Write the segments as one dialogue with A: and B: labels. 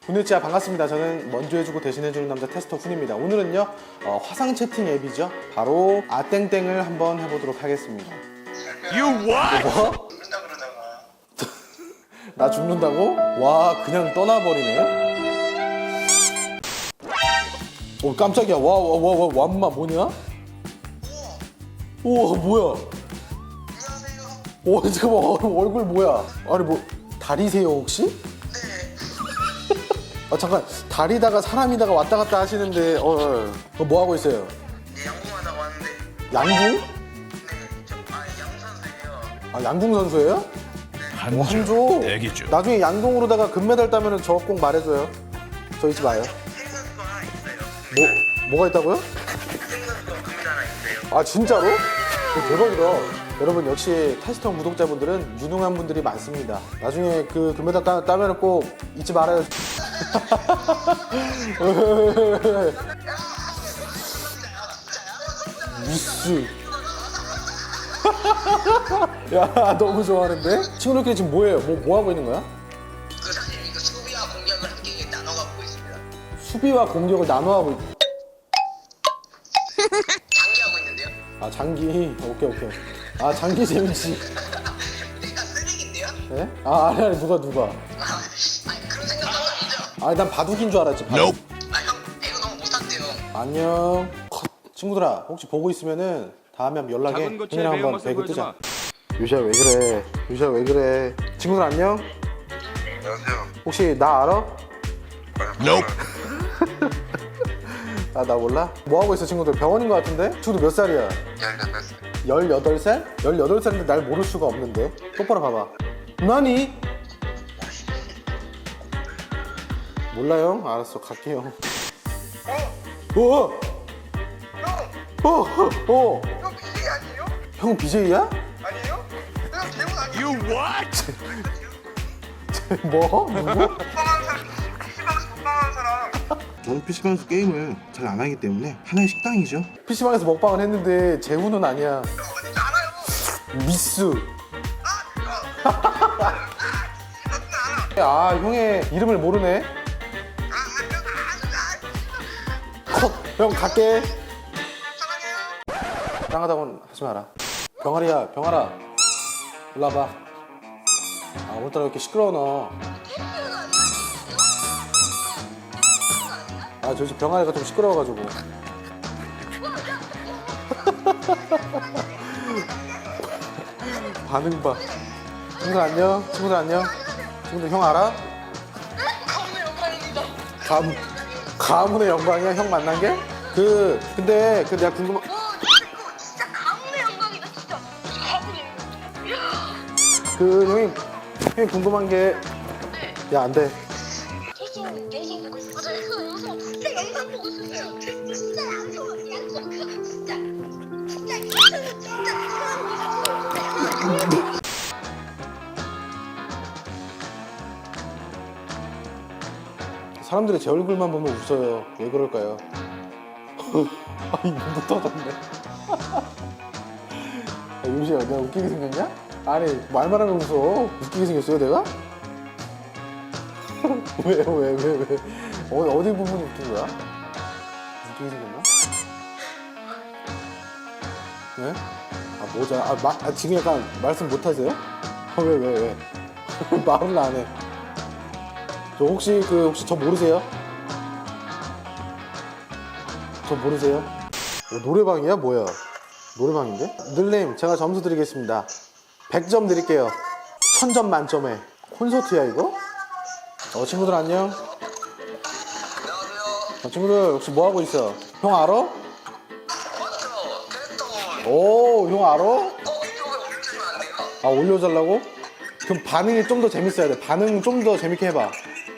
A: 훈일지야 반갑습니다. 저는 먼저 해주고 대신해주는 남자 테스터 훈입니다. 오늘은요 화상 채팅 앱이죠. 바로 아땡땡을 한번 해보도록 하겠습니다.
B: You what?
A: 뭐?
C: 죽는다 그러다가
A: 나 죽는다고? 와 그냥 떠나버리네. 오 깜짝이야. 와 완마 뭐냐? 우와 뭐야?
C: 안녕하세요.
A: 오 잠깐만 얼굴 뭐야? 아니 뭐 다리세요 혹시?
C: 네.
A: 아 잠깐 다리다가 사람이다가 왔다 갔다 하시는데 뭐 하고 있어요?
C: 네, 양궁하다고 왔는데
A: 양궁?
C: 네, 양궁 선수예요.
A: 아 양궁 선수예요? 한조
B: 대기 중.
A: 나중에 양궁으로다가 금메달 따면은 저 꼭 말해줘요. 저 잊지 마요.
C: 생선수가 하나 있어요.
A: 뭐가 있다고요?
C: 생선수가 금메달 하나 있어요.
A: 아 진짜로? 대박이다. 여러분 역시 테스터 구독자분들은 유능한 분들이 많습니다. 나중에 그 금메달 따면은 꼭 잊지 말아요. 미스. 야 너무 좋아하는데? 친구들끼리 지금 뭐해요? 뭐 하고 있는 거야?
C: 그 사실 이거 수비와 공격을 함께 나눠가고 있습니다.
A: 수비와 공격을 나눠하고
C: 장기하고 있는데요.
A: 아 장기 오케이 아 장기 재밌지.
C: 내가 쓰레기인데요?
A: 네? 아 아니 누가
C: 아니 그런 생각은 아니죠.
A: 아니 난 바둑인 줄 알았지 바둑.
B: Nope.
C: 아 형, 이거 너무 못한대요.
A: 안녕 컷. 친구들아 혹시 보고 있으면은 다음에 한번 연락해.
B: 작은 고추의
A: 형이랑 한번
B: 매운맛을
A: 배그 뜨자.
B: 보여주마.
A: 유시야 왜 그래? 유시야 왜 그래? 친구들 안녕?
C: 안녕하세요.
A: 혹시 나 알아?
B: Nope.
A: 아 나 몰라? 뭐 하고 있어 친구들? 병원인 것 같은데? 친구들 몇 살이야? 18살? 18살인데 날 모를 수가 없는데 똑바로 봐봐. 나니? 몰라요? 알았어 갈게요. 어? 어?
C: 형 BJ 아니에요?
A: 형 BJ야?
C: 아니에요? 형 대본 아니에요?
B: You what?
A: 뭐? 누구?
C: 먹방하는 사람, PC방에서 먹방하는 사람.
D: 저는 PC방에서 게임을 잘 안 하기 때문에 하나의 식당이죠.
A: PC방에서 먹방을 했는데 재훈은 아니야.
C: 어딘지 알아요.
A: 미스.
C: 알아.
A: 아 형의 이름을 모르네. 컷. 형 갈게.
C: 사랑해요.
A: 짱하다고는 하지 마라. 병아리야 병아라 일로 와봐. 아 오늘따라 왜 이렇게 시끄러워 너. 아 저 집 병아리가 좀 시끄러워가지고. 반응 봐. 친구들 안녕. 친구들 안녕. 친구들 형 알아?
C: 가문의 영광입니다.
A: 가문의 영광이야 형 만난 게? 근데 내가 궁금한.
E: 진짜 가문의 영광이다 진짜 가문의 영광.
A: 형이 궁금한 게. 야 안 돼.
E: 계속 영상 보고 있어. 맞아요 그 영상 진짜 영상 보고 있었어요. 진짜 양성 그거 진짜
A: 사람들이 제 얼굴만 보면 웃어요. 왜 그럴까요? 아 이거 터졌네. 유시야 내가 웃기게 생겼냐? 아니 말만 하면 웃어. 웃기게 생겼어요 내가? 왜? 어디 부분이 웃긴 거야? 웃기게 생겼나? 네? 아 뭐자? 지금 약간 말씀 못 하세요? 왜? 말을 안 해. 저 혹시 저 모르세요? 저 모르세요? 노래방이야 뭐야? 노래방인데? 늘님 제가 점수 드리겠습니다. 100점 드릴게요. 1000점 만점에. 콘서트야 이거? 친구들 안녕.
C: 안녕하세요.
A: 친구들 혹시 뭐 하고 있어? 형 알아?
C: 맞죠? 캐릭터.
A: 오, 형 알아?
C: 유튜브에 올려주면 안 돼요?
A: 아 올려달라고? 그럼 반응이 좀 더 재밌어야 돼. 반응 좀 더 재밌게 해봐.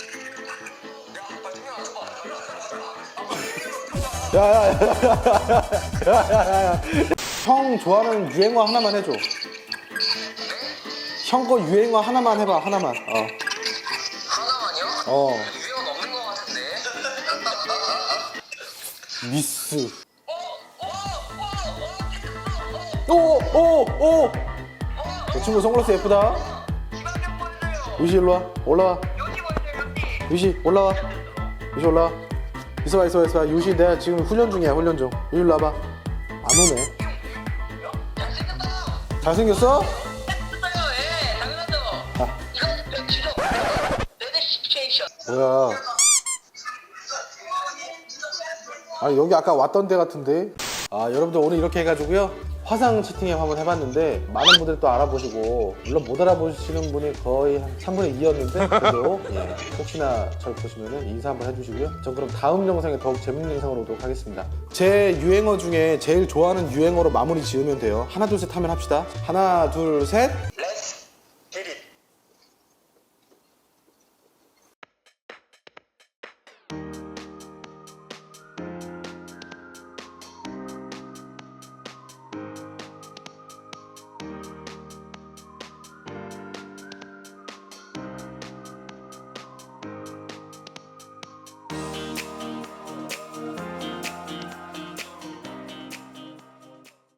A: 야야야야야야야야. 형 좋아하는 유행어 하나만 해줘. 형 거 유행어 하나만 해봐. 하나만.
C: 하나만요? 유행은 없는 것 같은데.
A: 미스. 오. 저 친구 선글라스 예쁘다. 유시 일로 와. 올라와.
C: 여기 보세요, 여기.
A: 유시 올라와. 유시 올라와. 있어봐. 유시 내가 지금 훈련 중이야, 훈련 중. 유시 일로 와봐. 안 오네. 잘생겼어?
C: 예, 당연하죠.
A: 아.
C: 이거는 백지로 레드 시츄에이션.
A: 뭐야. 아 여기 아까 왔던 데 같은데. 아 여러분들 오늘 이렇게 해가지고요 화상 채팅앱 한번 해봤는데 많은 분들이 또 알아보시고 물론 못 알아보시는 분이 거의 한 3분의 2였는데 그래도 예, 혹시나 저를 보시면은 인사 한번 해주시고요. 전 그럼 다음 영상에 더욱 재밌는 영상으로 오도록 하겠습니다. 제 유행어 중에 제일 좋아하는 유행어로 마무리 지으면 돼요. 하나 둘 셋 하면 합시다. 하나 둘 셋.